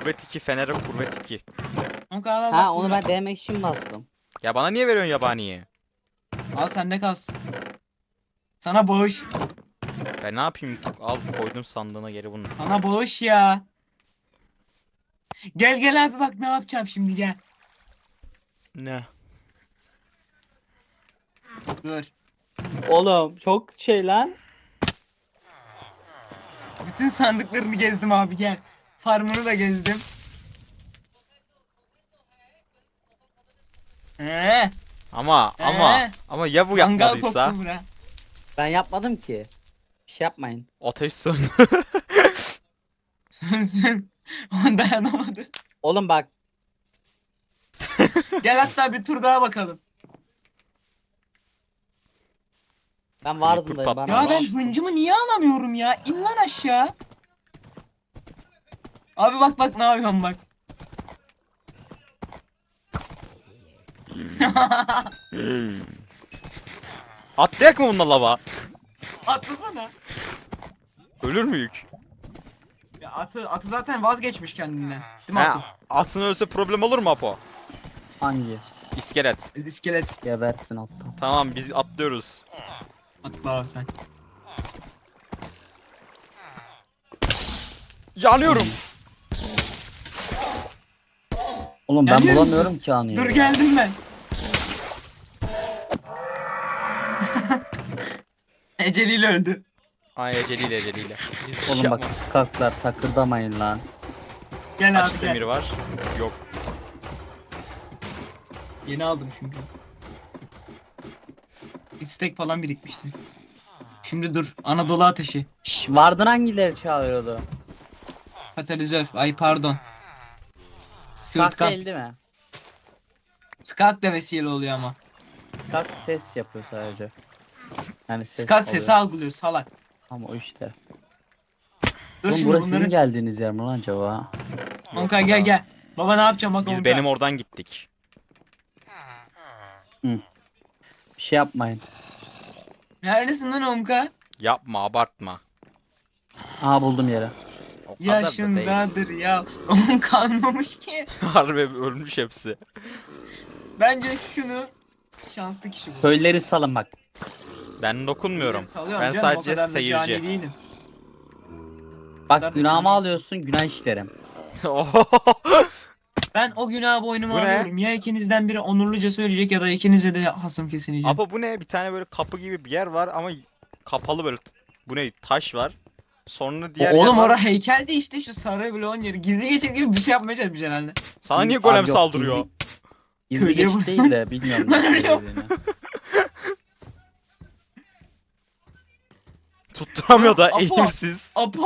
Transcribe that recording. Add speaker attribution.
Speaker 1: Kuvvet 2, Fener'e kuvvet 2.
Speaker 2: Kanka al al
Speaker 3: Ha
Speaker 2: bak
Speaker 3: onu
Speaker 2: bunu.
Speaker 3: ben denemek için bastım.
Speaker 1: Ya bana niye veriyorsun yabaniyi?
Speaker 2: Al sende kalsın. Sana bağış.
Speaker 1: Ben ne yapayım? Al koydum sandığına geri bunu.
Speaker 2: Sana bağış ya. Gel gel abi bak ne yapacağım şimdi gel.
Speaker 1: Ne?
Speaker 2: Dur.
Speaker 3: Oğlum çok şey lan.
Speaker 2: Bütün sandıklarını gezdim abi gel. Farmını da gezdim.
Speaker 1: Ama ama ya bu
Speaker 2: Mangal
Speaker 1: yapmadıysa?
Speaker 2: koktu bura.
Speaker 3: Ben yapmadım ki. Bir şey yapmayın.
Speaker 1: Ateş söndü.
Speaker 2: Sönsün. O dayanamadı.
Speaker 3: Oğlum bak.
Speaker 2: Gel hatta bir tur daha bakalım.
Speaker 3: Ben vardım
Speaker 1: Creeper
Speaker 3: da bana.
Speaker 1: patlamış.
Speaker 2: Ya ben hıncımı niye alamıyorum ya? İn lan aşağı. Abi bak bak ne yapıyorum bak.
Speaker 1: Atlayak mı bununla lava?
Speaker 2: Atlasana.
Speaker 1: Ölür müyük?
Speaker 2: Ya atı zaten vazgeçmiş kendinden. Değil mi Atı?
Speaker 1: Ha, atın ölse problem olur mu Apo?
Speaker 3: Hangi?
Speaker 1: İskelet.
Speaker 2: İskelet.
Speaker 3: Gebersin alttan.
Speaker 1: Tamam biz atlıyoruz.
Speaker 2: Atla abi sen.
Speaker 1: Yanıyorum.
Speaker 3: Oğlum ben
Speaker 2: Geliyor musun?
Speaker 3: bulamıyorum ki anıyı.
Speaker 2: Dur geldim ben. Eceliyle öldü.
Speaker 1: Ay eceliyle eceliyle. Biz bir şey
Speaker 3: Oğlum bak
Speaker 1: yapmadık.
Speaker 3: skaklar takırdamayın lan.
Speaker 2: Gel
Speaker 1: Kaç
Speaker 2: abi
Speaker 1: demir
Speaker 2: gel.
Speaker 1: var? Yok.
Speaker 2: Yeni aldım çünkü. Bir stack falan birikmişti. Şimdi dur. Anadolu ateşi.
Speaker 3: Şş, Vardın hangileri çağırıyordu?
Speaker 2: Katalizör. Ay pardon.
Speaker 3: Skak
Speaker 2: Sırtkan.
Speaker 3: değil değil mi?
Speaker 2: Skak da vesile oluyor ama.
Speaker 3: Skak ses yapıyor sadece. Yani ses
Speaker 2: Skak
Speaker 3: oluyor.
Speaker 2: sesi algılıyor salak.
Speaker 3: Ama o işte.
Speaker 2: Dur
Speaker 3: Oğlum
Speaker 2: şimdi
Speaker 3: burası
Speaker 2: bunları.
Speaker 3: sizin geldiğiniz yer mi lan acaba?
Speaker 2: Onka gel gel. Baba ne yapacağım bak
Speaker 1: Biz
Speaker 2: Onka.
Speaker 1: benim oradan gittik.
Speaker 3: Bir şey yapmayın.
Speaker 2: Neredesin lan Onka?
Speaker 1: Yapma abartma.
Speaker 3: Aha buldum yeri.
Speaker 1: O kadar da değil.
Speaker 2: Yaşındadır ya. Onka anlamış ki.
Speaker 1: Harbi ölmüş hepsi.
Speaker 2: Bence şunu şanslı kişi bu.
Speaker 3: Köyleri salın bak.
Speaker 1: Ben dokunmuyorum.
Speaker 2: Salıyorum
Speaker 1: Ben
Speaker 2: canım, o
Speaker 1: sadece
Speaker 2: kadar da cani
Speaker 1: seyirci.
Speaker 2: değilim.
Speaker 3: Bak
Speaker 2: Kadar da
Speaker 3: günahımı
Speaker 2: canım.
Speaker 3: alıyorsun günah işlerim.
Speaker 2: Ben o günahı boynuma
Speaker 1: Bu ne?
Speaker 2: alıyorum. Ya ikinizden biri onurluca söyleyecek ya da ikinize de hasım kesilecek.
Speaker 1: Apa bu ne? Bir tane böyle kapı gibi bir yer var ama kapalı böyle. Bu ne? Taş var. Sonra diğer
Speaker 2: Oğlum
Speaker 1: yer var.
Speaker 2: ora heykeldi işte şu sarı bloğun yeri. Gizli geçit gibi bir şey yapmaya çalışmış herhalde.
Speaker 1: Sana niye
Speaker 3: Abi
Speaker 1: golem
Speaker 3: yok,
Speaker 1: saldırıyor?
Speaker 3: Gizli
Speaker 2: Köylüye
Speaker 3: geçit
Speaker 2: vursun.
Speaker 3: değil de bilmiyorum.
Speaker 2: Ben
Speaker 3: nasıl
Speaker 2: ölüyorum.
Speaker 3: söylediğini.
Speaker 1: Tutturamıyor da
Speaker 2: Apo.
Speaker 1: eğimsiz.
Speaker 2: Apo